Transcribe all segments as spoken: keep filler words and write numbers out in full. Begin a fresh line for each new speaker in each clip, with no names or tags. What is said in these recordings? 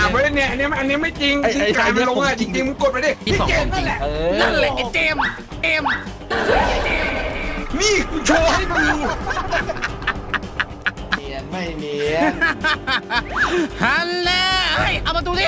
เว้ยเนี่ยอันนี้อันนี้ไม่จริงที่กายมันลงอ่ะจริงๆมึงกดไปดิพี่เจมนั่นแหละ
นั่นแหละไอ้เจมเจม
นี่กูโชว์ให้ดู
เนียนไม่เนียน
ฮันแน่เฮ้ยเอามาดูดิ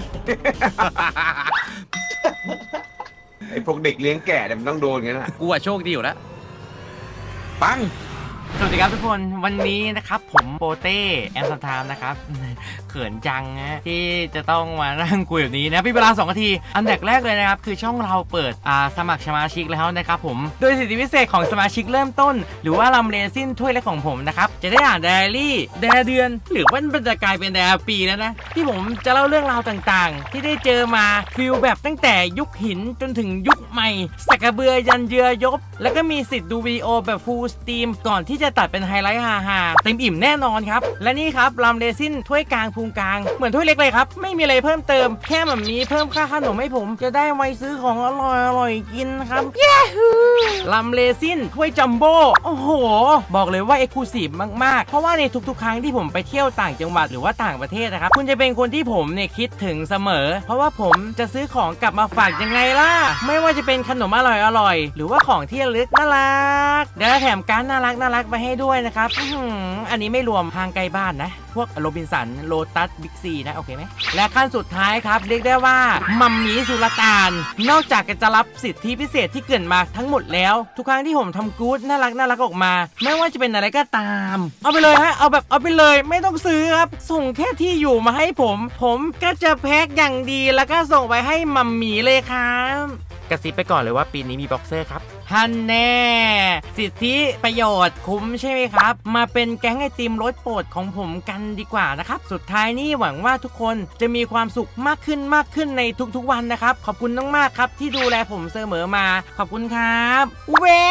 ไอ้พวกเด็กเลี้ยงแก่เนี่ยมันต้องโดนงั้นนะ
กูอะโชคดีอยู่แล้ว
ปัง
สวัสดีครับทุกคนวันนี้นะครับผมโปเต้แอมสตามนะครับเขินจังนะที่จะต้องมานั่งคุยแบบนี้นะพี่เวลาสองนาทีอันดับแรกเลยนะครับคือช่องเราเปิดอ่าสมัครสมาชิกแล้วนะครับผมโดยสิทธิพิเศษของสมาชิกเริ่มต้นหรือว่าลำเรซินถ้วยเล็กของผมนะครับจะได้อ่านไดอารี่ไดอาเดือนหรือว่ามันจะกลายเป็นไดอาปีแล้วนะที่ผมจะเล่าเรื่องราวต่างๆที่ได้เจอมาฟิลแบบตั้งแต่ยุคหินจนถึงยุคใหม่สักกระเบือยันเยือยบแล้วก็มีสิทธิ์ดูวิดีโอแบบฟูลสตรีมก่อนที่จะตัดเป็นไฮไลท์ฮาๆเต็มอิ่มแน่นอนครับและนี่ครับลำเรซินถ้วยกลางพุงกลางเหมือนถ้วยเล็กเลยครับไม่มีอะไรเพิ่มเติมแค่แบบนี้เพิ่มค่าขนมให้ผมจะได้ไว้ซื้อของอร่อยอร่อยกินครับเย้ลำเรซินถ้วยจัมโบ้โอ้โหบอกเลยว่าเอ็กซ์คลูซีฟมากๆเพราะว่าในทุกๆครั้งที่ผมไปเที่ยวต่างจังหวัดหรือว่าต่างประเทศนะครับคุณจะเป็นคนที่ผมเนี่ยคิดถึงเสมอเพราะว่าผมจะซื้อของกลับมาฝากยังไงล่ะไม่ว่าจะเป็นขนมอร่อยอร่อยหรือว่าของที่ระลึกน่ารักเดี๋ยวแถมการ์ดน่ารักน่ารักไปให้ด้วยนะครับอันนี้ไม่รวมทางไกลบ้านนะพวกโรบินสันโลตัสบิ๊กซีนะโอเคไหมและขั้นสุดท้ายครับเรียกได้ว่ามัมมี่สุลต่านนอกจากจะรับสิทธิพิเศษที่เกินมาทั้งหมดแล้วทุกครั้งที่ผมทำกู๊ดน่ารักน่ารักออกมาไม่ว่าจะเป็นอะไรก็ตามเอาไปเลยฮะเอาแบบเอาไปเลยไม่ต้องซื้อครับส่งแค่ที่อยู่มาให้ผมผมก็จะแพ็คอย่างดีแล้วก็ส่งไปให้มัมมี่เลยครับกระซิบไปก่อนเลยว่าปีนี้มีบ็อกเซอร์ครับฮันแน่สิทธิประโยชน์คุ้มใช่ไหมครับมาเป็นแก๊งไอติมรสโปรดของผมกันดีกว่านะครับสุดท้ายนี้หวังว่าทุกคนจะมีความสุขมากขึ้นมากขึ้นในทุกๆวันนะครับขอบคุณมากๆครับที่ดูแลผมเสมอมาขอบคุณครับเว้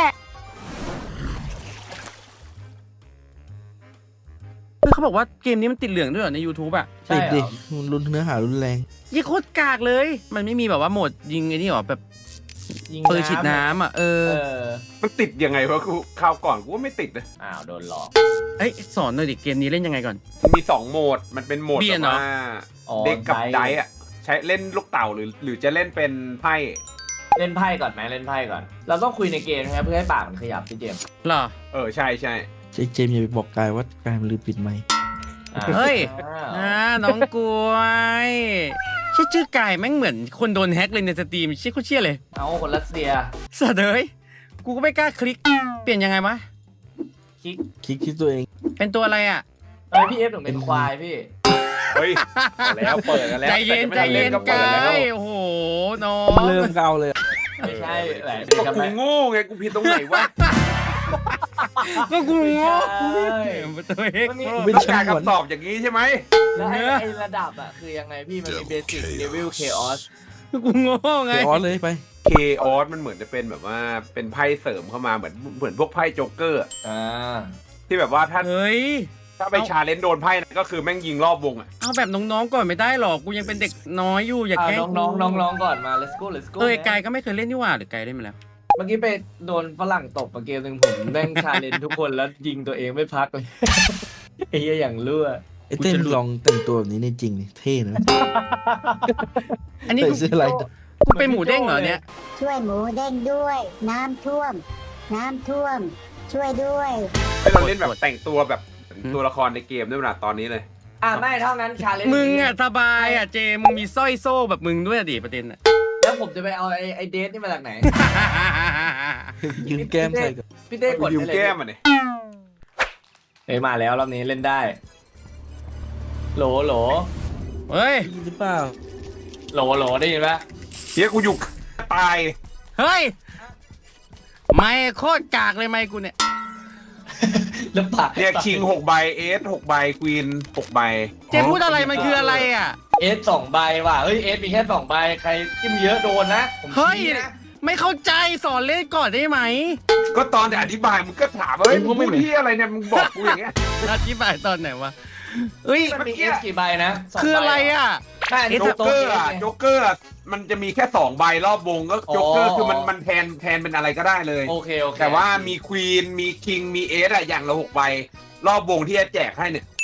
เขาบอกว่าเกมนี้มันติดเหลืองด้วยเหรอใน YouTube อ่ะ
ติดดิมันรุนเนื้อหารุนแรง
ยี่โคตรกากเลยมันไม่มีแบบว่าโหมดยิงไอ้นี่หรอแบบปืนฉีดน้ำอ่ะเออ
มันติดยังไงวะกูคราวก่อนกูว่าไม่ติดนะ
อ้าวโดนหลอก
เอ้ยสอนหน่อยดิเกมนี้เล่นยังไงก่อน
มีสองโหมดมันเป็นโหมดแบบว่าเด็กกับไดอ่ะใช้เล่นลูกเต่าหรือหรือจะเล่นเป็นไพ่
เล่นไพ่ก่อนไหมเล่นไพ่ก่อนเราต้องคุยในเกมนะครับเพื่อให้ปากมันขยับพี่เจมส์
หรอ
เออใช่ใช่
เจมส์อย่าไปบอกกายว่ากายมันลืมปิดไมค์
เฮ้ยอ่าน้องกล้วยชื่อชื่อกายแม่งเหมือนคนโดนแฮกเลยในสตรีมชื่อเขาเชี่ยเลย
เอาคนรัสเซีย
สัตว์เอ้ยกูก็ไม่กล้าคลิกเปลี่ยนยังไงวะ
คลิก
คลิกที่ตัวเอง
เป็นตัวอะไรอ่ะ
เอ้ยพี่เอฟหนูเป็นควายพี่
เฮ้ยแล้วเปิดกันแล้ว
ใจเย็นใจเย็นกายโอ้โหน้อง
เริ่มเกาเลย
ไม่ใช่แหละ
กูโง่ไงกูผิดตรงไหนวะ
ก็กูโง่
ตัวเองเป็นการคำตอบอย่างนี้ใช่ไหม
แล้วไอ้ระดับอ่ะคือยังไงพี่มันมีเบสิกเลเวลเคออส
กูโง่ไง
เคออสเลยไป
เคออสมันเหมือนจะเป็นแบบว่าเป็นไพ่เสริมเข้ามาเหมือนเหมือนพวกไพ่โจ๊กเกอร์อ่าที่แบบว่าถ้า
เฮ้ย
ถ้าไปชาเลนจ์โดนไพ่ก็คือแม่งยิงรอบวงอ่ะ
เอาแบบน้องๆก่อนไม่ได้หรอกกูยังเป็นเด็กน้อยอยู่อย่าแกล้ง
น้องๆน้องๆก่อนมา let's go let's go
เอ้ยกายก็ไม่เคยเล่นนี่หว่าหรือกายเล่นมาแล้ว
เมื่อกี้ไปโดนฝรั่งตบมาเกมหนึ่งผมแม่งชาเลนจ์ทุกคนแล้วยิงตัวเองไม่พักเลยไอ้เหี้ยอย่างเลื่อ
ไอ้เต้นลองแต่งตัวแบบนี้ในจริงนี่เท่นะ
อันนี้กู
ซื้ออะไร
กูเป็นหมูเด้งเหรอเนี่ย
ช่วยหมูเด้งด้วยน้ำท่วมน้ำท่วมช่วยด้วย
ให้เราเล่นแบบแต่งตัวแบบตัวละครในเกมด้วยนะตอนนี้เลย
อ่ะไม่เท่านั้นชาเลนจ์
มึงอ่ะสบายอ่ะเจมึงมีสร้อยโซ่แบบมึงด้วยดิประเด็นอ่ะ
แล้วผมจะไปเอาไอ้ไอ้เดทนี่มาจากไหน
ยืนแก้มใส่กับ
พี่เต้กด
ยืมแก้มอ่ะเนี่ย
เฮ้ยมาแล้วรอบนี้เล่นได้โหลโหล
เฮ้ย
หรือเปล่า
โหลโหลได้ยินปะ
เฮียกูอยู่ตาย
เฮ้ยไม่โคตรกากเลยไม่กูเนี่ย
แล้วปาก
เนี่ยคิงหกใบเอสหกใบควีนหกใบ
เจพูดอะไรมันคืออะไรอ่ะ
เอสสองใบว่ะเฮ้ยเอสมีแค่สองใบใครจิ้มเยอะโดนนะ
เฮ้ยไม่เข้าใจสอนเล่นก่อนได้ไหม
ก็ตอนอธิบายมึงก็ถามว่าเฮ้ยมึงพูดที่อะไรเนี่ยมึงบอกกูอย่างเงี้ย
อธิบายตอนไหนวะเฮ้ย
มันมีเอสกี่ใบนะ
คืออะไรอ่ะ
โจ๊กเกอร์อ่ะโจ๊กเกอร์มันจะมีแค่สองใบรอบวงก็โจ๊กเกอร์คือมันมันแทนแทนเป็นอะไรก็ได้เลย
โอเคโอเค
แต่ว่ามีควีนมีคิงมีเอสอะอย่างละหกใบรอบวงที่จะแจกให้เนี่ย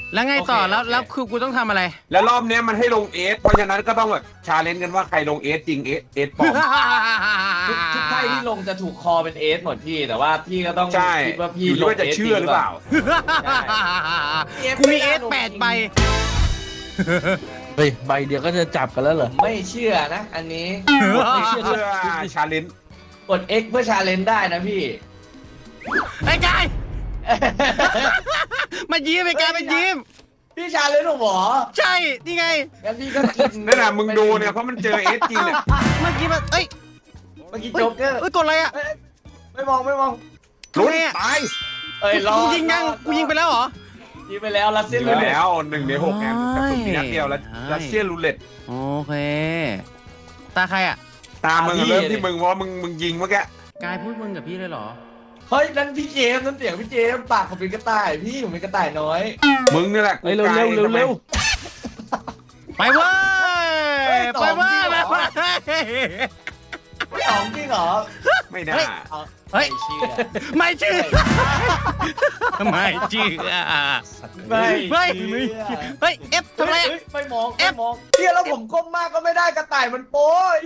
แล้วไงต่อแล้วแล้วคือกูต้องทำอะไร
แล้วรอบเนี้ยมันให้ลงเอสเพราะฉะนั้นก็ต้องแบบชาเลนจ์กันว่าใครลงเอสจริงเอสเอสปลอม
ทุกทุกไพ่ที่ลงจะถูกคอเป็นเอสหมดพี่แต่ว่าพี่ก็ต้อง
ใช่
คิดว่าพี่
อยู่
ล
ที่
ง
ว่าจะเชื่อหรือเปล่า
กูมีเอสแปดใบ
เฮ้ยใบเดียวก็จะจับกันแล้วเหรอ
ไม่เชื่อนะ อันนี้
ไม่เชื่อเพื่อชาเลนจ์
กด X เพื่อชาเลนจ์ได้นะพี่
ไอ้กายมายิ้มไอ้กายมายิ้ม
พี่ชาเลนจ์หรอ
ใช่นี่ไง
งั้นพี่ก็กิน
นั่นแหละมึงดูเนี่ยเพราะมันเจอเอสจริงเนี่ย
เมื่อกี้มันเอ้ย
เมื่อกี้
เฮ้ย
โจ๊กเกอร์
เอ้ยกดอะไรอ่ะ
เอ้ยไม่มองไม่มอง
ลุ้น
ทำไมอะ
ตาย
เอ้ยรอ
กูยิงยังกูยิงไปแล้วเหรอ
ยิงไปแล้วรัสเซียน
ไป
เลย
แล้วหนึ่งในหกแอมกระสุนมีนัดเดียวแล้ว
ใช่
รัสเซียนรูเล็ต
โอเค ตาใครอ่ะ
ตามมึงเริ่มที่มึงเพราะว่ามึงมึงยิงเมื่อกี้
กายพูดมึงกับพี่เลยเหรอ
เฮ้ยนั่นพี่เจมส์นั่นเสียงพี่เจมส์ปากผมเป็นกระต่ายพี่ผมเป็นกระต่ายน้อย
มึงนี่แหละกู
เฮ้ยเร็ว
กา
เร็
ยว
เร็วเร็ว
ไปเว้ยไปเว้ยไปเว้ย
สองจริงเหรอ
ไม่น่า
เอา
เฮ้ย
ไม่เชื่อ
ไม่เชื่อไม่เชื่อ
ไม่
เฮ้ย
เชื่อ
เฮ้ยเอฟทำไรอะ
เฮ้ยไม่มองไม่มองเฮียแล้วผมก้มมากก็ไม่ได้กระต่ายมันโป้ย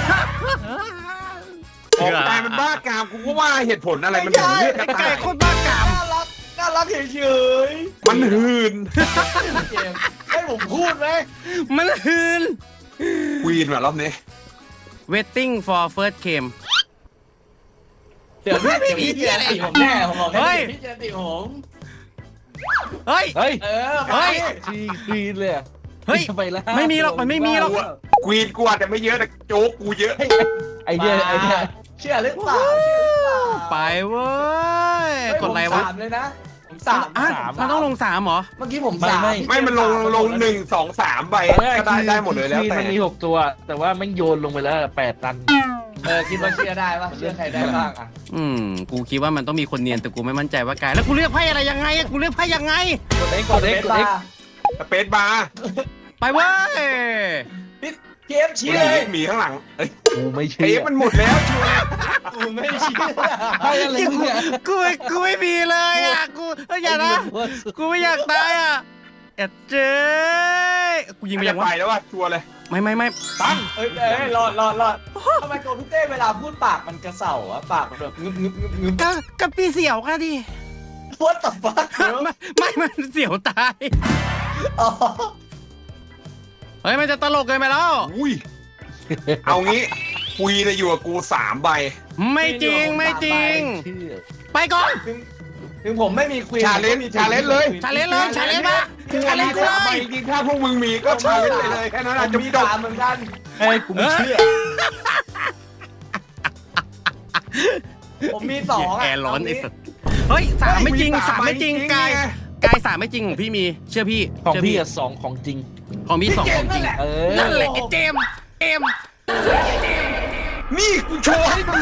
ออกตายมันบ้ากามกูก็ว่าเหตุผลอะไรมันถึงเลือกกระ
ไอ้ไก่
ต่าย
โคตรบ้ากาม
น่ารักน่ารักเฉย
มันหืน
ๆเจมส์ให้ผมพูดไหม
มันหืน
ควีนว่ะรอบนี้
waiting for first game
เดี๋ยวพี่
ไม่
เดี๋ยว
มี
พี่
เหี้
เจ
ย
ม
อะไร
ส์ติผมแน่ผมบอก
เฮ้
ให้
ย
พี่เจมส์ติผม
เฮ้ย
เฮ้ย
เออ
เฮ้
ไป
ย
ทีคลีนเลยอะ
เฮ้ย
ไปแล้ว
ไม่มีหรอกมันไม่มีหรอก
ควีนกูอาจจะไม่เยอะแต่โจ๊กกูเยอะ
ไอเดียไอเดีย
เชื่อหรือเปล่าเชื่อหรือเปล่า
ไปเว้ย
เฮ้ย
กดอะไร
ผม
วะ
สามเลยนะผมสาม
อ่ะ
สาม
มันต้องลงสามเหรอ
เมื่อกี้ผม
ไม่
สาม
ไม่
ไม่มันลงลงหนึ่งสองสามใบก็ได้ได้หมดเลยแล้ว
คลีน
แต่
มันมีหกตัว แต่ว่าแม่งโยนลงไปแล้วแปดตัน
เออคิดว่าเชื่อได้ปะเชื่อใครได้บ้างอ่ะ
อืม กูคิดว่ามันต้องมีคนเนียนแต่กูไม่มั่นใจว่ากายแล้วกูเลือกไพ่อะไรยังไงอะกูเลือกไพ่ยังไง
กดเอ็กกดเอ็กกดเอ็ก
สเปซบาร์
ไปเว้ย
เกม
ห
ชี้
มี
เลย
หมีข้างหลังเอ้ย
กูไม่
เท
เชื่อ
ปมันหมดแล้วชัวร์
กูไม่เชื่อ
ให้อะไรมึงเนี่ย
กูไม่กูไม่มีเลยอ่ะ กูเอ้ยอย่านะ กูไม่อยากตายอ่ะเอ็ดเจ้ยกูยิงไป
ไม่
ยัง
ไป
วะ
แล้วว่ะชัวร์เลย
ไม่ไม่ไม่
ตั้ง
เอ้ยเอ้ยรอดรอดรอดทำไมตัวพี่เต้เวลาพูดปากมันกระเสาอะปากมันแบบงึบงึบงึบงึบ
ก็กับปีเสี่ยวค่ะดิ
พูดต่อปาก
ไม่ไม่มันเสี่ยวตาย
อ๋อ
เฮ้ยมันจะตลกเกินไปแล้ว
อุ้ยเอางี้ควีนอยู่กับกูสามใบ
ไม่จริงไม่จริง
เชื่อ
ไปก่อน
ถึงถึงผมไม่มีควีน
ชาเลนจ์ชาเลนจ์เลย
ชาเลนจ์เลยชาเลนจ์มา
กู
ชาเล
มี
นจ์
สาม
เล
ใบ
ย
จริงๆถ้าพวกมึงมีก็ชาเลนจ์ไปเลยแค่นั้น
ผ
อาจ
ม
จะ
มี
จบ
ตามเหมือนกัน
เฮ้ยกูไม่เชื่อ
ผมมีสองอะ
แอร์ร้อนไอ้สัสเฮ้ยสามไม่จริงสามไม่จริงกายกายสามไม่จริงของพี่มีเชื่อพี่
ของ
เชื่
พี่อะสองของจริง
ของพี่สองของจริง
เออ
นั่นแหละไอ้เจมส์เจมส์
นี่กูโชว์ให้ดู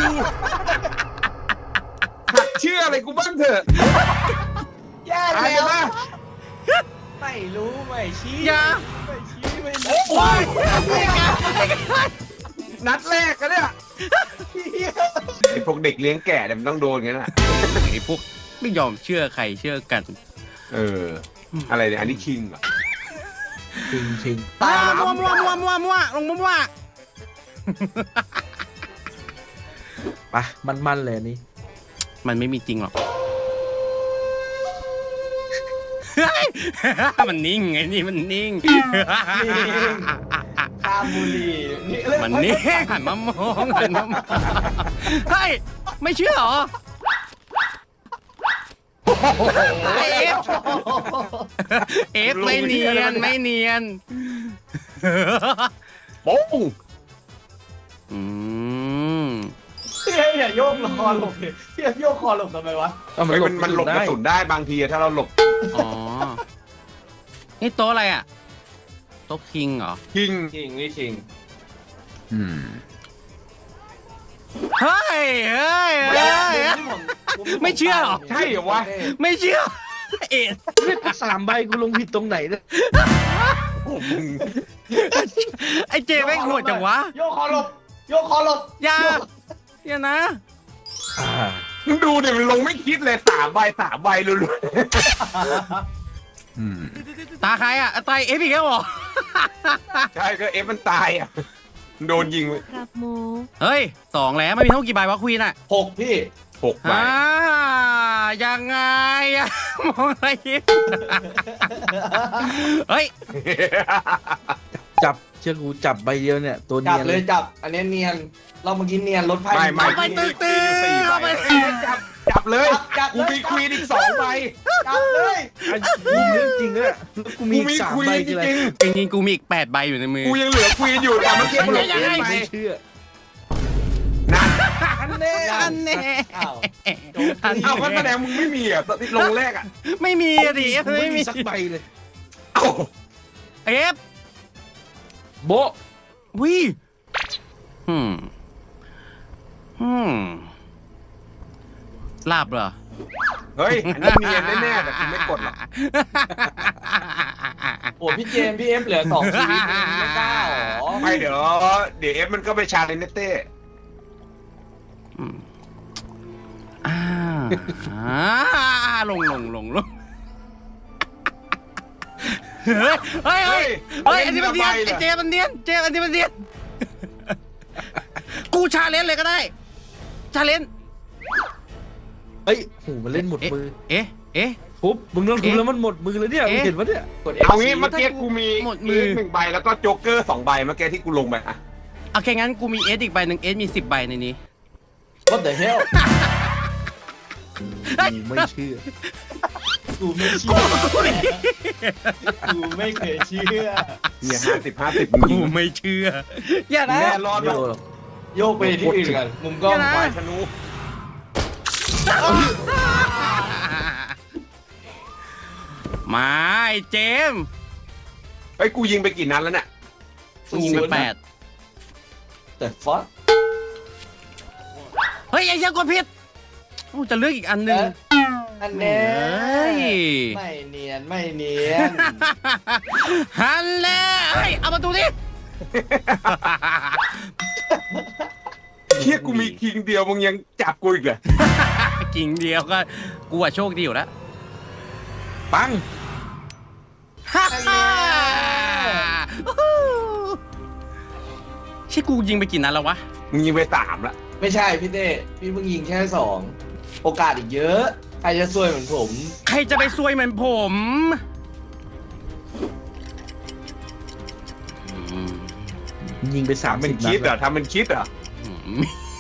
หัดเชื่ออะไรกูบ้างเถอะ
แย่
อะไร
แล้ว
นะ
ไม่รู้ไม่ชี้
อย่า
ไม่ชี้ไม่รู้
โอ้ย
นัดแรกกันเนี่ยไอพวกเด็กเลี้ยงแก่เนี่ยมันต้องโดนงั้นอ่ะ
ไอ้พวกไม่ยอมเชื่อใครเชื่อกัน
เออ อะไรเนี่ยอันนี้คิงเหรอ
จริงจริง
ตายมัวมัวมัวมัวมัวลงมัวมัว
ไปมันมันๆเลยอันนี้
มันไม่มีจริงหรอกเฮ้ยมันนิ่งไงนี่มันนิ่ง
คาบุรีนี่เรื่อง
มันนิ่งหันมามองหันมามองเฮ้ยไม่เชื่อเหรอเอฟเอฟไม่เนียนไม่เนียน
โป้ง
อืม
พี่อย่าโยกคอหลบพี่อย่าโยกคอหลบทำไมวะ
เอา
เฮ้ยมันมันหลบกระสุนได้บางทีอะถ้าเราหลบ
อ๋อนี่โต๊ะอะไรอ่ะโต๊ะคิงเหรอ
คิง
ชิงนี่ชิง
อืม
เฮ้ยเฮ้ยเฮ้ย ไม่เชื่อหรอ
ใช่เหรอวะ
ไม่เชื่อเอ็ด
เฮ้ยสามใบกูลงผิดตรงไหนเนี่ย
โอ้มึง
ไอเจแม่งโหดจังวะ
โยกคอหลบโยกคอหลบ
อย่าอย่านะ
อ่า
มึงดูเนี่ยมันลงไม่คิดเลยสามใบสามใบลุ้นอืม
ตาใครอ่ะตายเอฟอีกแล้วเหรอ
ใช่ก็เอฟมันตายอ่ะโดนยิง
ครับหมู
เฮ้ยสองแล้วไม่มีเท่ากี่ใบวะควีนอ่ะ
หกพี่
หกใบ
อ่ายังไงอะมองอะไรยิ้มเฮ้ย
จับเชื่อกูจับใบเดียวเนี่ยตัว
จั
เนี
บ
ยน
เลยจับ อันนี้เนียน เราเมื่อกี้เนียนรถไฟ
ไม่ไม่
ไปตื้อตื้อ
สี่ใบ
เอาไป
จับจับเลย
จับ
กู
เลย
มีควีนอีกสองใบ
จับเลย
ไอ้กูเรื่องจริงเนี่ยแล้วกูมี
กูมี
สาม
ควี
ใบ
นจ
คืออะไร
ริง
จริงๆกูมีอีกแปดใบอยู่ในมือ
ๆกูยังเหลือควีนอยู่แต่เมื่อกี้มันลง
ยังไง
เอฟไป
ไม่เชื่อ
นั่น
อันเน่
อันแน่
อ้าว
อัน
เอ้าก็แสด
แน่
งมึงไม่มีอ่ะลงแรกอ่ะ
ไม่มีอะดิเอฟ
กู
ไม่
ไม่
มี
มีสักใบเลย
เอ้า
เอฟ
โบะ
วิอืมอืมลาบเหรอ
เฮ้ยอันนี้เนียนแน่ๆแต่กูไม่กดหรอก
โอ้พี่เจมส์พี่เอฟเหลือสองชีวิตเองไม่กล้าหรอ
ไม่เดี๋ยวเดี๋ยวเอฟมันก็ไปชาเลนจ์เต้
อืมอ่าอ่าลงลงลงลงเฮ้ยเฮ้ยเฮ้ยเฮ้ยอันนี้มันเนียนไอ้เจมันเนียนเจอันนี้มันเนียนกูชาเลนจ์เลยก็ได้ชาเลนจ์
เฮ้ยโหมันเล่นหมดมือ
เอ๊ะเอ๊ะ
ปุ๊บมึงต้องทุบ
เอ๊ะ
แล้วมันหมดมือเลยเนี่ยมึง
เอ๊ะ
เห็นปะเนี่ย
กด
เอา
F
งี้
สี่
เมื่อกี้กูมี
หมดมือ
หนึ่งใบแล้วก็โจ๊กเกอร์สองใบเมื่อกี้ที่กูลงไปอ่ะ
โอเคงั้นกูมีเอสอีกใบหนึ่งเอสมีสิบใบในนี้
What the hell
กูไม่เชื่อ
กูไม่เชื่อกูไม่เคยเชื่อ
เนี่ยห้าสิบห้าสิบ
กูไม่เชื่อ อย่านะ
แน่รอด
ไม่
แล้ว
โดนหรอก
โยกไปที่อื่นกันมุมกล้อง
อย่านะ
ควายธนู
มาไอ้เจมส์
เฮ้ยกูยิงไปกี่นัดแล้วเนี่ย
กูยิงไปแปด
แต่ฟอส
เฮ้ยไอ้เหี้ยังกดผิดกูจะเลือกอีกอันหนึ่ง
อันแน่
เฮ้ย
ไม่เนียนไม่เนียน
ฮันเล่เฮ้ยเอามาดูดิ
เฮียกูมีคิงเดียวมึงยังจับกูอีกเหรอ
กิ่งเดียวก็กูอะโชคดีอยู่แล้ว
ปัง
ฮ่าฮ่าใช่กูยิงไปกี่นัดแล้ววะ
มึงยิงไปสามละ
ไม่ใช่พี่เต้พี่เพิ่งยิงแค่สองโอกาสอีกเยอะ ใครจะซวยเหมือนผม
ใครจะไปซวยเหมือนผมอืม
ยิงไปสาม
ทำเป็น
สิบ
คิดเหร
นั
อ
ด
ทำเป็นคิดเหรอ
อืม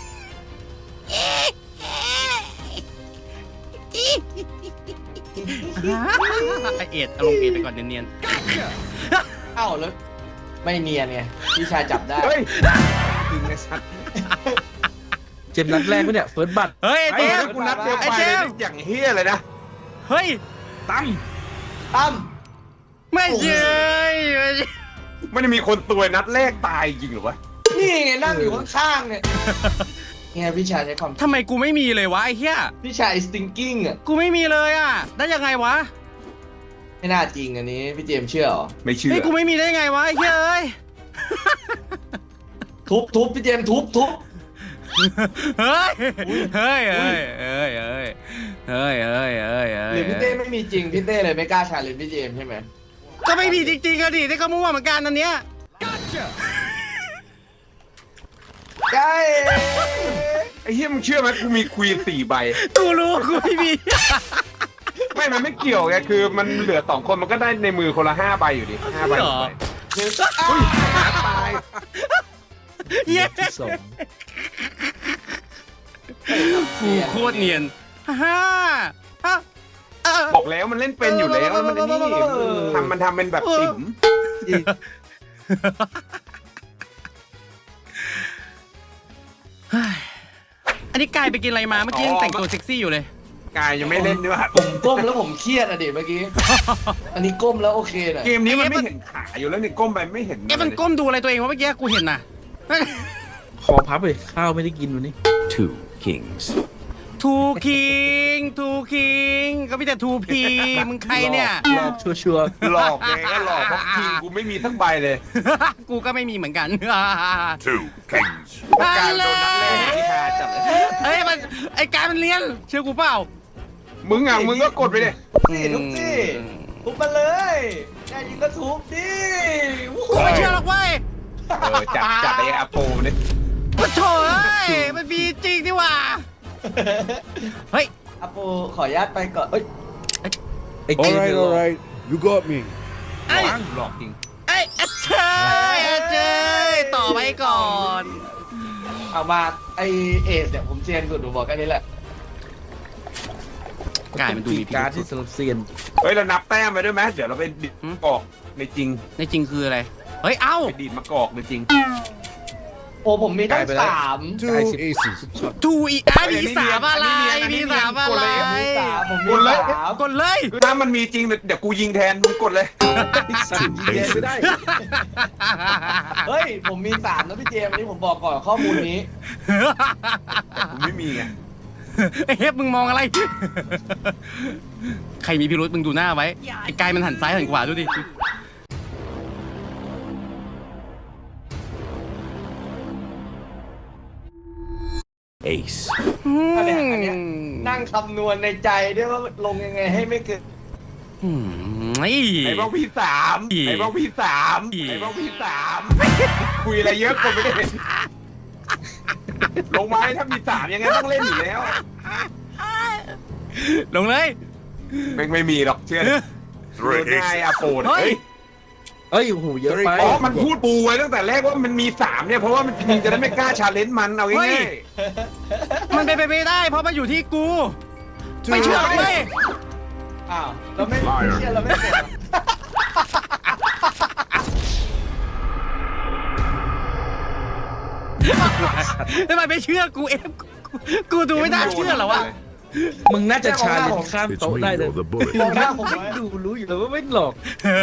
ไอเอ็ดเอาลงเอ็ดไปก่อนเนียน
เอ้าแล้วไม่เนียนไงพี่ชายจับได้
เฮ้ยยิงไอ้สัตว์
เจมส์นัดแรกปะเนี่ยเฟิร์สบัต
ๆเฮ้ยไอ
ไอ้
เจ
เหี้
ม
ย
ส์
กูนัดเดียว
ไอ้
ไป
เจ
เลย
มส์
อย่างเฮียเลยนะ
เฮ้ย
ตั้ม
ตั้ม
ไม่เย้ย
ไม่ได้มีคนตัวยนัดแรกตายจริงเหรอวะ
นี่ไงนั่งอยู่ข้างๆเนี่ยไงพี่ชายใช้ความ
ทำไมกูไม่มีเลยวะไอ้เหี้ย
พี่ชาย stinking อ่ะ
กูไม่มีเลยอ่ะ ได้ยังไงวะ
ไม่น่าจริงอันนี้พี่เจมส์เชื่อเหรอ
ไม่เชื่อ
เฮ้ยกูไม่มีได้ยังไงวะไอ้เหี้ยเอ้ย
ทุบทุบพี่เจมส์ทุบทุบ
เฮ้ย เฮ้ย เฮ้ย เฮ้ย เฮ้ย เฮ้ย เฮ้ย เฮ้ย เฮ้ย
หรือพี่เต้ไม่มีจริงพี่เต้เลยไม่กล้าชาเลนจ์พี่เจมส์ใช่ไหม
ก็ไม่มีจริงๆอะดิที่เขามั่วเหมือนกันอันเนี้ย
ใช่
ไอ้เฮียมึงเชื่อไหมกูมีควีนสี่ใบ
กูรู้กูไม่มี
ไม่ มันไม่เกี่ยวไง คือมันเหลือสองคนมันก็ได้ในมือคนละห้าใบอยู่ดิห้าใบ
เหรอ
หนึ่ง
อุ้ยหาตาย
เย้
ที่สอง
กูโคตรเนียนฮ่าฮ่าเออ
บอกแล้วมันเล่นเป็นอยู่แล้วแล้วมันไอ้นี่ทำมันทำเป็นแบบติ๋ม
อันนี้กายไปกินอะไรมาเมื่อกี้ยังแต่งตัวเซ็กซี่อยู่เลย
กายยังไม่เล่นด้วย
ผมก้มแล้วผมเครียดอะดิเมื่อกี้ อันนี้ก้มแล้วโอเคหน่อย
เกมนี้มันไม่เห็นขาอยู่แล้วนี่ก้มไปไม่เห็น
เอ๊ะมันก้มดูอะไรตัวเองวะเมื่อกี้กูเห็นน่ะ
คอพับเลยข้าวไม่ได้กินวันนี้
Two kings.
ทูคิงทูคิงก็มีแต่ทูพีมึงใครเนี่ย
หลอกชัวร์
หลอกไงก็หลอกเพราะคิงกูไม่มีทั้งใบเลย
กูก็ไม่มีเหมือนกัน
Two kings.
เพราะการโดนนัดแรกที่หาจัดเลย
เฮ้ยมันไอการมันเลี้ยนเชื่อกูเปล่า
มึงอ่ะมึงก็กดไปดิ
นี่ทุกที่ทุบมาเลยแน่ยิงก็ทุบดิ
กูไม่เชื่อหรอกเว้ย
เออจัดจัดไอ้อาโปเนี่ย
ปะโถเอ้ยมันมีจริงดิว่ะเฮ้ย
อาปูขออนุญาตไปก่อนเอ้ย
ไอ้เก
All
ม
right, all right. You got me.
ไอ้
หลอกจริง
ไอ้เอเชยเอเชยต่อไปก่อน
เอามาไอเอสเนี่ยผมเซียนสุดดูบอกแค่นี้แหละ
กายมันดูมีพิ
การ
รุ
ที่
ษ
สำหรับเซียน
เฮ้ยเรานับแต้มไปด้วยไหมเดี๋ยวเราไปดิดมะกอกในจริง
ในจริงคืออะไรเฮ้ยเอ้า
ไปดีดมะกอกในจริง
โอ้ผมมีตั้งสาม
Two aces.
ทูอีไอมีสามอะไรมีสามอะไร
มีสามผมมี
กดเลย
สาม
กดเลย
ถ้ามันมีจริงเดี๋ยวกูยิงแทนมึงกดเลย
สั่งยิงแดงไม่ได้
เฮ้ยผมมีสามนะพี่เจมส์อันนี้ผมบอกก่อนข้อมูลนี้
กูไม่มีไง
ไอ้เฮฟมึงมองอะไร ใครมีพิรุษมึงดูหน้าไว้ไอ้กายมันหันซ้ายหันขวาดูดิ
Ace.
อันเนี้ยอันเนี้ยนั่งคำนวณในใจด้วยว่าลงยังไงให้ไม่เกิน
อืมไอ้
ไอ้บ้องพี่สาม
อี
ไอ้บ้องพี่สาม
อี
ไอ้บ้องพี่สามคุยอะไรเยอะคนไม่ได้เห็นลงไม้ถ้ามีสามยังไงต้องเล่นอยู่แล้ว
ลงเลย
ไม่ไม่มีหรอกเชื่อโด
Three
นง่าย
aces.
อะโปน
เฮ้ย
เฮ้ย
เอ้ยโอ้โหเยอะไป
อ๋อมันพูดปูไว้ตั้งแต่แรกว่ามันมีสามเนี่ยเพราะว่ามันจริงจะได้ไม่กล้าชาเลนจ์มันเอา
เฮ้
ง่าย
ย มันเป็นไปไม่ได้ เพราะมันอยู่ที่กู ไม่เชื่อหรอกเว้ย
อ้าวเราไม่ไม่เชื่อเราไม่เชื่อ
ทำไมไม่เชื่อกูเอฟกูกูดูไม่น่าเชื่อเหรอวะ
มึงน่าจะชาเลนจ์ข้าม
It's
โต๊ะ
me
ได้เลย
or the bullet.
มองหน้าผมไว้
ดูรู้อยู่แล้วว่าไม่หลอก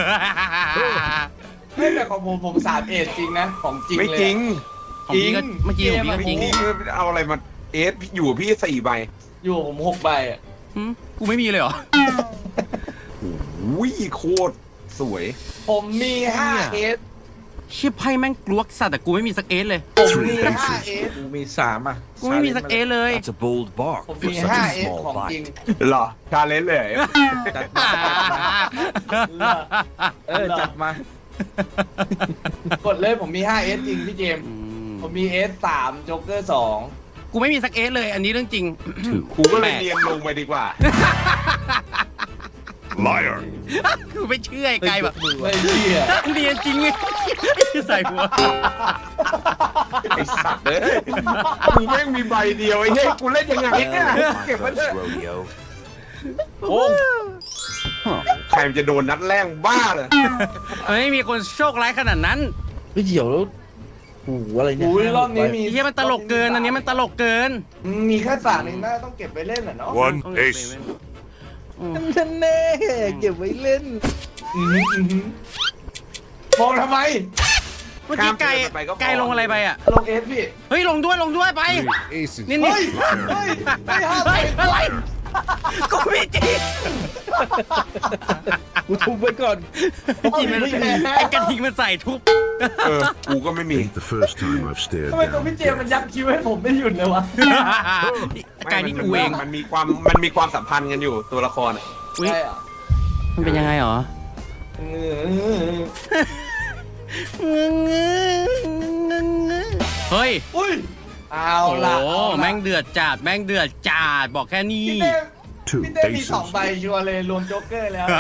ไม่แต่ของผมผมสามเอสจริงนะของจริง
ไม่
เลย
จริง
ของพี่ก็เมื่อกี้ของพี่ก็จริง
พี่เอาอะไรมาเอสอยู่พี่สี่ใบ
อยู่ผมหกใบอ่ะ
หืมกูไม่มีเลยเหรอ
อุ้ยโคตรสวย
ผมมีห้าเอส
เชี่ยไพ่แม่งกลวกสัตว์แต่กูไม่มีสักเอสเลย
ผมมีห้าเอส
กูมีสามอ่ะ
กูไม่มีสักเอสเลย
That's a bold bark
ผม
for
มี
such
ห้า
a
เอส
small
ของจริง
bite.
เหรอชาเลนจ์เลย
จัดมาเออจัดมา
กดเลยผมมีห้าเอสจริงพี่เจมส์
อืม
ผมมีเอสสามโจ๊กเกอร์สอง
กูไม่มีสักเอสเลย อันนี้เรื่องจริง
Two.
กูก็เลยเรียนลงไปดีกว่า
Liar.
กูไม่เชื่อไอ้ไกลแบบ
ไม่เชื่อ
เรียนจริงไงใส่หัว
ไอ้สัตว์เอ้ยกูแม่งมีใบเดียวไอ้เฮ้ยกูเล่นยังไงเนี่ย
Well,
เก็บ
my
ไว้เถ
first
อะ
rodeo.
โอ้ใครมันจะโดนนัดแรกบ้าเลย
ไม่มีคนโชคร้ายขนาดนั้น
ไม่เดี๋ยวแล้วโอ้โหอะไรเนี่ย
อุ้ยรอบนี้มี
ไอ้เหี้ยมันตลกเกิน อันนี้มันตลกเกิน
มีแค่สามเองน่าต้องเก็บไปเล่นอ่ะเนาะ
One ace.
ท่านแน่เก็บไว้เล่น
อื้อหืออื้อหือมองทำไม
เมื่อกี้ไก่ไก่ลงอะไรไปอ่ะ
ลงเอสพี่
เฮ้ยลงด้วยลงด้วยไป
Three aces.
นี่นี่
เฮ้ย เฮ้ยไม่ห้า
เฮ้ยอะไร กูไม่จริง
กูทุบไว้ก่อน
กินมันไอ้กระทิงมันใส่ทุบ
เออกูก็ไม่มี
Ain't the first time I've stared
ทำไมตัว
down
พี่เจมส์มันยักคิ้วให้ผมไม่หยุดเลยวะ
ไก่นี่กูเอง
มันมีความมันมีความสัมพันธ์กันอยู่ตัวละครอะ
อุ๊ย
ใช่อ่ะ
มันเป็นยังไงหรอ
เออ
เฮ้ย
อุ้ย เอา
โอ้
ละ
โห
เอาละ
แม่งเดือดจัดแม่งเดือดจัดบอกแค่นี้
พี่เต้
Two
พี่เต้มีสอง
aces.
ใบชัวร์เลยรวมโจ๊กเกอร์แล้ว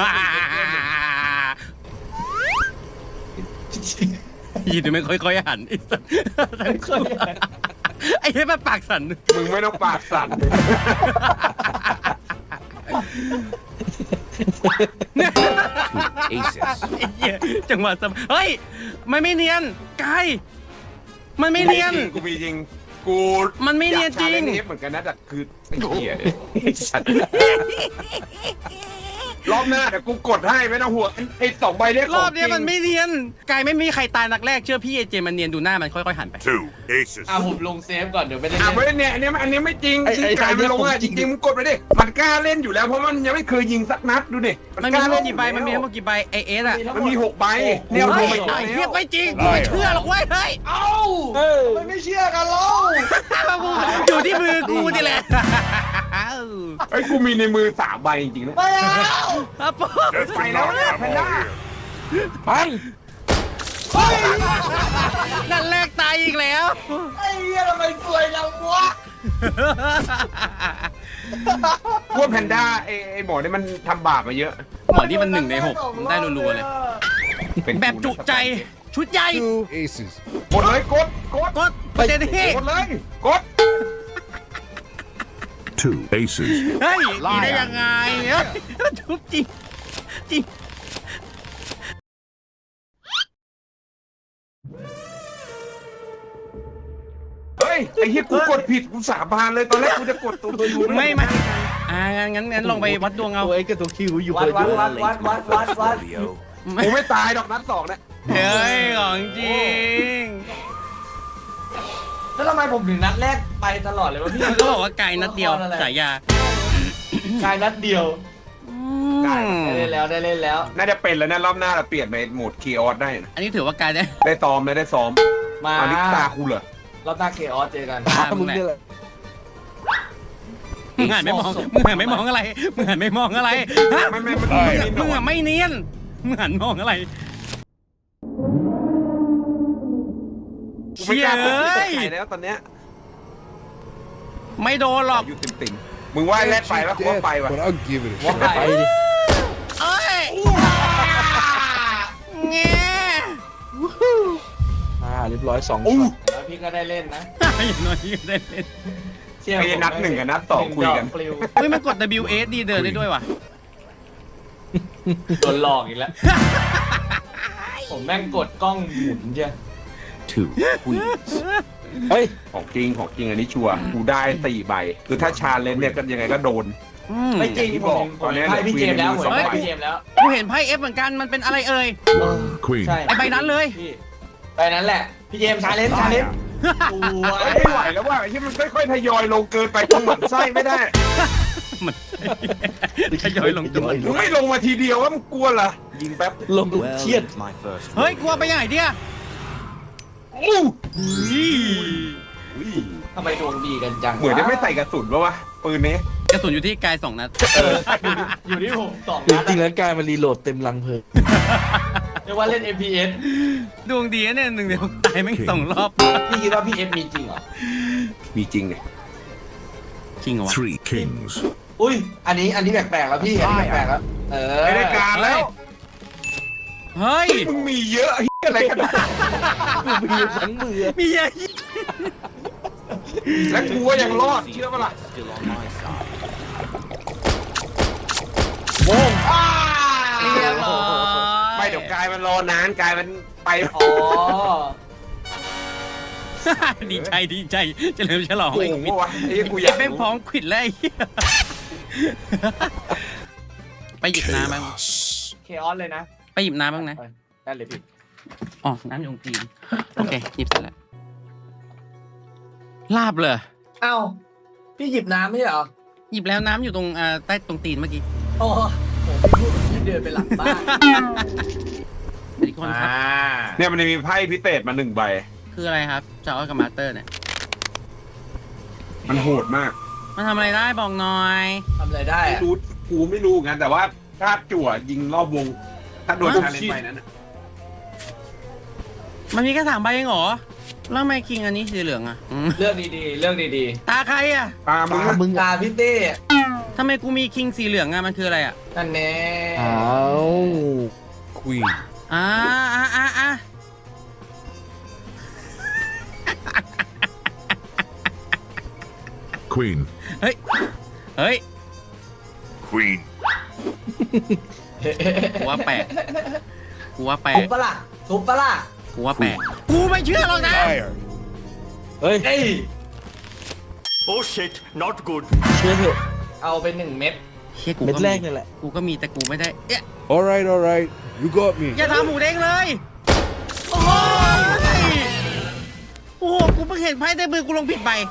ยีดูไม่ค่อยๆหันไอ้สัส
ไม่เคยอ่ะ
ไอ้เฮ้ยมันปากสั่น
มึงไม่ต้องปากสั่น
Aces.
ไอ้เหี้ยจังหวะสมเฮ้ยมันไม่เนียนไกลมันไม่เนียน
กูมีจริงกู
มันไม่เนียนจริง
อากชาเลนจ์นี้เหมือนกันนะแต่คือไอ้เหี้ยไอ้สัตว์รอบหน้าเดี๋ยวกูกดให้ไม่ต้องห่วงไอ้สองใบเนี้ย
รอบเนี้ยมันไม่เนียนไกลไม่มีใครตายนักแรกเชื่อพี่ไอเจมันเนียนดูหน้ามันค่อยๆหันไป
Two aces.
อ่ะผมลงเซฟก่อนเดี๋ยวไม่ได้
อ่ะ
เล่น
ไม่เนี่ยอันเนี้ยอันเนี้ยไม่จริงที่การมันลงอ่ะจริงๆมึงกดไปดิมันกล้าเล่นอยู่แล้วเพราะมันยังไม่เคยยิงสักนัดดูดิ
มันมีทั้งหมดกี่ใบมันมีทั้งหมดกี่ใบไอเอสอะ
มันมีหกใบเนี่ย
เฮ้
ดู
ย
ไป
ไอ้เหี้ย
แล้ว
ไม่จริงกูไม่เชื่อหรอกเว้ยเฮ้ย
เอ้ามันไม่เชื่อกันเล่า
อยู่ที่มือกูนี่แหละ
ไอ้ยกูมีในมือสามใบจริงๆนะ
ไม่เอา
ครับผม
Just
Mày
enough
nấu nè,
ammo
mày nấu.
here.
ปัง
นั่นแรกตายอีกแล้ว
ไอ้เหี้ยทำไมสวยจังวะ
พวกแพนด้าไอ้ไอ้หมอนี่มันทำบาปมาเยอะ
หมอนี่มันหนึ่งในหกได้รัวๆเลย
เป็น
แบบจุใจ ชุดใหญ่
Two aces.
กดเลยกดกด
กดประเด็นที่
กดเลยกด
Two aces.
เฮ้ยดีได้ยังไงเอ้ยชุบจริงจริง
เฮ้ยไอ้เหี้ยกูกดผิดกูสาบานเลยตอนแรกกูจะกดตัวยู
ไม่ไม่อ่างั้นงั้นงั้นลองไปวัดดวงเอา
ตัวเอ็กกับตัวคิวอยู่
วัด
เลย
วัด
ด้วย
วัดวัดวัดวัดวัด
กูไม่ตายดอกนัดสองเนี่ย
เฮ้ยของจริง
แล้วทำไมผมถึงนัดแรกไปตลอดเลยวะพี่
มันก็บอกว่าไกลนัดเดียวสายยาก
ายนัดเดียว
อื
ได้
ม
เล่นแล้วได้เล่นแล้ว
น่าจะเป็นแล้วนะรอบหน้าเราเปลี่ยนไปโหมดคีออสได้นะ
อันนี้ถือว่าไกลได้
ได้ซ้อมเลยได้ซ้อม
มา
อันนี้ตากูเหรอ
เราตาเคออสเจอกัน
อ่ามึ
มึ
ง
ง
แหละ
เนี่ยแหละ
มึงหันไม่มองมึงหันไม่มองอะไรมึงหันไม่มองอะไรฮะ
ไม่ไม่ไม่ไม่ไม่
มึงอะไม่เนียนมึงหันมองอะไร
กูไม่กล้าพูด
เชี่
ใส่
ย
ใครแล้วตอนเนี้ย
ไม่โดนหรอก
อยู่ติ่มติ่มๆมึงว่าแรกไปแล้วกูว่าไปว่ะ
but I'll give it a
ว่า
shot.
ไป
ไปดิ
เอ้ยแง่
อ่าเรียบร้อยสอง
อู้
ช็อต
แล้วพี่ก็ได้เล่นนะ
อย่างน้อยก็ได้เล่น
เชี่ย
ไอ้นัดหนึ่งกับนัดสองคุยกัน
ปลิว
เฮ้ยมันกด ดับเบิลยู เอส ดีเดินได้ด้วยว่ะ
โดนหลอกอีกแล้ว ผมแม่งกดกล้องหมุนเจ้ะ
Two queens.
เฮ้ย
ของจริงของจริงอันนี้ชัวร์กูได้สี่ใบคือถ้าชาเลนจ์เนี่ยก็ยังไงก็โดน
อืม
ไม่จริง
อย่างที่
ผ
บอก
ม
ตอนนี้
ให้พี่เจมส์แล้ว
เหลื
ผ
อ
มให้
สองใบ
พี่เจมส์แล้ว
กูเห็นไพ่ F เหมือนกัน มันเป็นอะไรเอ่ย
Queen.
ใช่
ไอใบนั้นเลย
พี่ไปนั้นแหละ พี่เจมส์ชาเลนจ์ชาเลนจ์ตัว
เฮ้ยไม่ไหวแล้วว่าไอ้ที่มันค่อยๆทยอยลงเกินไปต้องหมั่นไส้ไม่ได้
มันทยอยลงจำนวน
มึงไม่ลงมาทีเดียวว่ามึงกลัวเหรอยิงแป๊บ
ลงเครียด
เฮ้ย กลัวไปยังไงเนี่ย
อู้
ทำไมดวงดีกันจัง
เหมือนจะไม่ใส่กระสุนปะวะปืนนี้
กระสุนอยู่ที่กายสองนัด
อยู่ที่ผมสอง
จ
นัด
ริงๆแล้วกลายมารีโหลดเต็มลังเพลิง
เรียกว่าเล่น เอ็ม พี เอส
ดวงดีนะเนี่ยหนึ่งเดียวตายแม่งสองรอบ
พี่คิดว่าพี่เอฟมีจริงเหรอ
มีจริงเนี่ย
จริงเหรอวะ
Three kings.
อุ้ย อันนี้อันนี้แปลกๆแล้วพี่ อันนี้แปลกๆแล้ว เออ
ไม่ได้การแล้ว
เฮ้ย
มึงมีเยอะเหี้ยอะไรขนาดนั้น
กูมีทั้งมือ
มีเยอะ
แล้วกูก็ยังรอดเชื่อปะล่ะ
โบ้ง
เรียบร้อย
ไม่เดี๋ยวกายมันรอนานกายมันไป
อ๋อ
ดีใจดีใจเฉลิมฉลอง
โอ้
ไอ้
โห
ควิด
วะไอ้กูอ
ไอ้
ยาก
แม่งพร้อ
รู้
มควิดแล้วไอ้เหี้ยไปหยิบน้ำบ้าง
Chaos.
เคออสเลยนะ
ไปหยิบน้ำบ้างนะ
ไปได้เลยพี่
อ๋อ น้ำอยู่ตรงตีนโอเค หยิบเสร็จแล้ว ลาบเลย
เอ้า พี่หยิบน้ำไม่ใช่เหรอ
หยิบแล้วน้ำอยู่ตรงอ่าใต้ตรงตีนเมื่อกี้
โอ้โหพี่พูดเหมือนพี่เดินไปหลังบ้าน
สวัสดีคนครับ
เนี่ยมันจะมีไพ่พิเศษมาหนึ่งใบ
คืออะไรครับจอร์จกับมาสเตอร์เนี่ย
มันโหดมาก
มันทำอะไรได้บอกหน่อย
ทำอะไรได้
ไม่
อะ
รู้กูไม่รู้งั้นแต่ว่าถ้าจั่วยิงรอบวง ถ้าโดน
ฮะ
ชาเลนจ์ไปนั้นน่ะ
มันมีแค่สามใบเองเหรอ แล้วทำไมคิงอันนี้สีเหลืองอ่ะอืม
เลือกดีๆ เลือกดี
ตาใครอ่ะ
ตามมึง
ตามึง
ๆ ตาพี่เต้
ทำไมกูมีคิงสีเหลืองอ่ะ มันคืออะไรอ่ะ
นั่นแน่
อ้าว
Queen.
อ่าอ่าอ่าอ่า
Queen.
เฮ้ย เฮ้ย
Queen.
กูว่าแปลก กูว่าแปล
ทุ
ก
บปะล่ะทุบปะล่ะ
กูว่าแปลก กูไม่เชื่อหรอกนะ
Fire.
เฮ้ย
เอ้ย
Oh shit, not good.
เชื่อเถอะ
เอาไปหนึ่งเม็ด
เชี่ยกู
เม็ด
ก็
แร
มี
กนี่แหละ
กูก็มีแต่กูไม่ได้ เอ๊ะ
All right, all right. You got me.
อย่าทำหมูเด้งเลย โอ้ยโอ้โห กูเพิ่งเห็นไพ่ในมือกูลงผิดใบ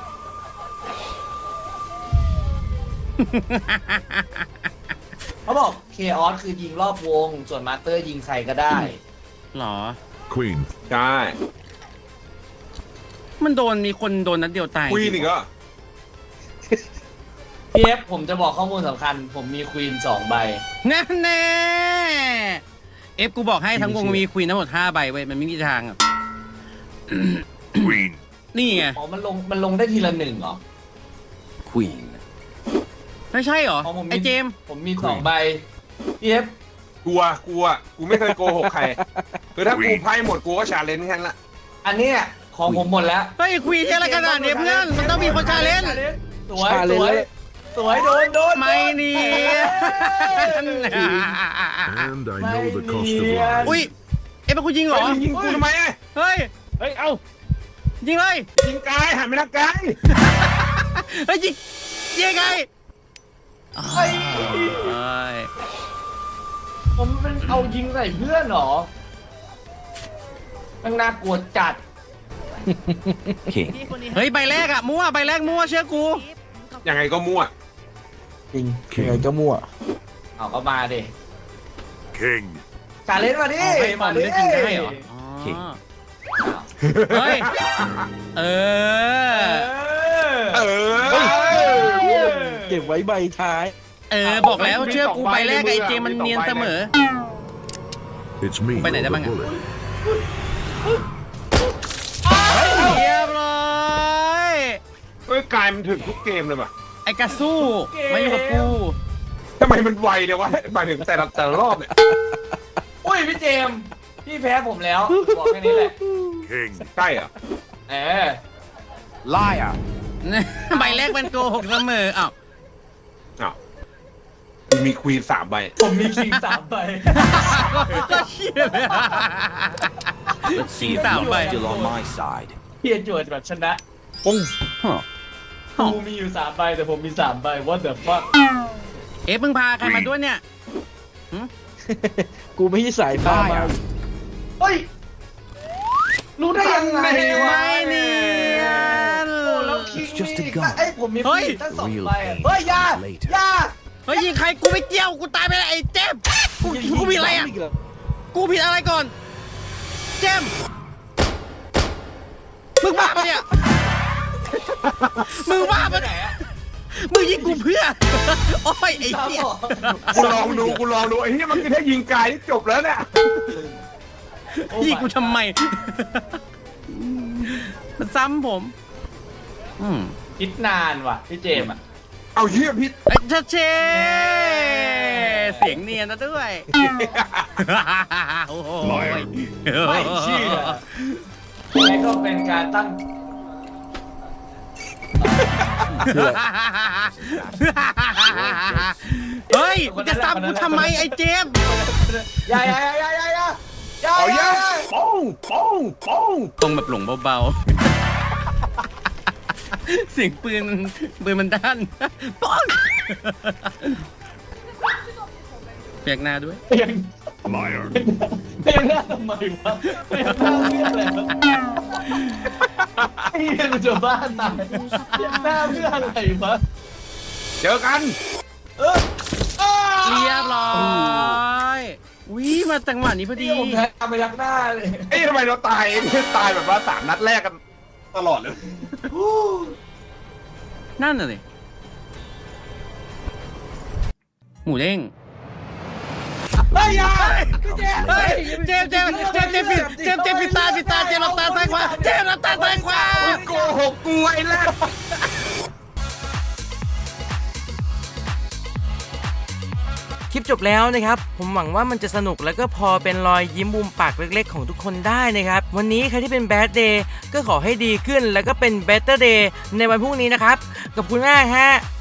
เขาบอกเคออสคือยิงรอบวง ส่วนมาสเตอร์ยิงใครก็ได้
หรอ
Queen.
ใช่
มันโดนมีคนโดนนัดเดียวตาย
คุยนี่ก็
พี่เอฟผมจะบอกข้อมูลสำคัญ ผมมีควีนสองใบ
นั่นแน่เอฟกูบอกให้ทั้งวงมีควีนทั้งหมดห้าใบเว้ยมันไม่มีทางอ่ะ
Queen.
นี่ไง
อ๋อ มันลง มันลงได้ทีละหนึ่งเหรอ
Queen.
ไม่ใช่เหรอ
อ๋อผมมี
ไอเจมส์
ผมมีสองใบพี่เอฟ
กลัวกลัวกูไม่เคยโกหกใครคือถ้ากูไพ่หมดกูก็ชาเลนจ์แค่นั้นละ
อันเนี้ยของผมหมดแล้ว
เฮ้ยควีนที่อะไรขนาดนี้เพื่อนมันต้องมีคนชาเลนจ์
สวยสวยสวยโดนโดน
ไม่หนี
And I know the cost of
Yeah.
life.
อุ้ยเอฟเป็นคุณยิงเหร
เฮ้
อย
มึงยิงกูทำไมอะ
เฮ้ย
เฮ้ย เอ้า
ยิงเลย
ยิงกายหันไปทางกาย
เฮ้ยยิงยิงไง
เฮ้ย
เฮ้ย
ผมเป็นเอายิงใส่เพื่อนเหรอมันน่ากลัวจัด
เฮ้ยใบแรกอะมั่วใบแรกมั่วเชื่อกู
ยังไงก็มั่ว
จริงยังไงก็มั่ว
เอาก็มาดิ
King.
ชาเลนจ์มาดิ
อ๋อให้ความ
มาดิ
เลือกยิงได้เหรออ๋อเฮ้ยเออ
เออ
เก็บไว้ใบท้าย
เออบอกแล้วเชื่อกูใบแรกไอ้เจมันเนียนเสมอ
It's me.
Bên này
with
đã
the
băng à?
bullet.
เรียบร้อย
เฮ้ยกายมันถึงทุกเกมเลยป่ะ
ไอ้กระสู้ไม่อยู่กับกู
ทำไมมันไวเนี่ยวะหมายถึงแต่ละแต่ละรอบเนี่ย
อุ้ยพี่เจมส์พี่แพ้ผมแล้วบอกแค่นี้แหละ
King.
ใช่เหรอ
เออ
Liar.
ใบแรกมันโกหกเสมออ้าว
อ้าวกูมีควีนสามใบ
ผมมีคิงสามใบ
ก็เชี่ยเลยสี่สามใบ
Still on my side.
เพียจวดแบบชนะ
ปุ้ง
กูมีอยู่สามใบแต่ผมมีสามใบ what the fuck
เอ๊ะมึงพาใครมาด้วยเนี่ย
กูไม่ใช่สายฟ้ามา
เฮ้ย รู้ได้ยังไงวะ
ไม่เนียน
โอ้แล้วคิง
It's just a
นี่
gun
เอ้ยผมมี
เฮ้ย
คิงตั้งสอง
Real
ใบอะ
pain
เฮ้ยอยา
later
อยา
เฮ้ยยิงใครกูไม่เกี่ยวกูตายไปแล้วไอ้เจมส์กูกูผิดอะไรอ่ะกูผิดอะไรก่อน เจมส์มึงบ้าปะเนี่ยมึงบ้าปะ
ไหน
เนี่ย
อะ
มึงยิงกูเพื่อโอ้ยไอ้เหี้ย
กูลองดูกูลองดูไอ้เหี้ยมันคือถ้ายิงกายที่จบแล้วเนี่ย
ยิงกูทำไม มันซ้ำผม อืม
คิดนานว่ะพี่เจมส์อะ
เอาเหี้ยพี่
ไอ้ชัดเจเสียงเนียนนะด้วยโอ้โห
ไม่เชื่อยังไงก็เป็นการตั้ง
เฮ้ยมึงจะซ้ำกูทำไมไอ้เจมส์
อย่าอย่าอย่าอย่าอย่าอย่า
เอา
อ
เหี้
ย่าย
ป้องป้องป้อง
ตรงแบบหลงเบาๆ เสียงปืนมันปืนมันด้านป้องเปียกหน้าด้วย
เปลี่ยน
Liar.
เปลี่ยนหน้าทำไมวะเปลี่ยนหน้าเพื่ออะไรวะไอ้เหี้ยมันจะบ้าตายเปลี่ยนหน้าเพื่ออะไรวะ
เจอกัน
เอออ้า
เรียบร้อยวิมาจังหวะนี้พอดี
นี่ผมแพ้ไปยักหน้าเลย
เอ้ยทำไมเราตายตายแบบว่าสามนัดแรกกันตลอดเลย
นั่นน่ะเลยหมูเด้ง
เฮ้ยอย่าพี่เจมส์
เฮ้ยเจมส์เจมส์เจมส์เจมส์ปิดเจมส์เจมส์ปิดตาปิดตาเจมส์หลับตาซ้ายขวาเจมส์หลับตาซ้ายขวา
โกหกกูไอ้แรก
คลิปจบแล้วนะครับผมหวังว่ามันจะสนุกแล้วก็พอเป็นรอยยิ้มมุมปากเล็กๆของทุกคนได้นะครับวันนี้ใครที่เป็นแบดเดย์ก็ขอให้ดีขึ้นแล้วก็เป็นเบเตอร์เดย์ในวันพรุ่งนี้นะครับขอบคุณมากฮะ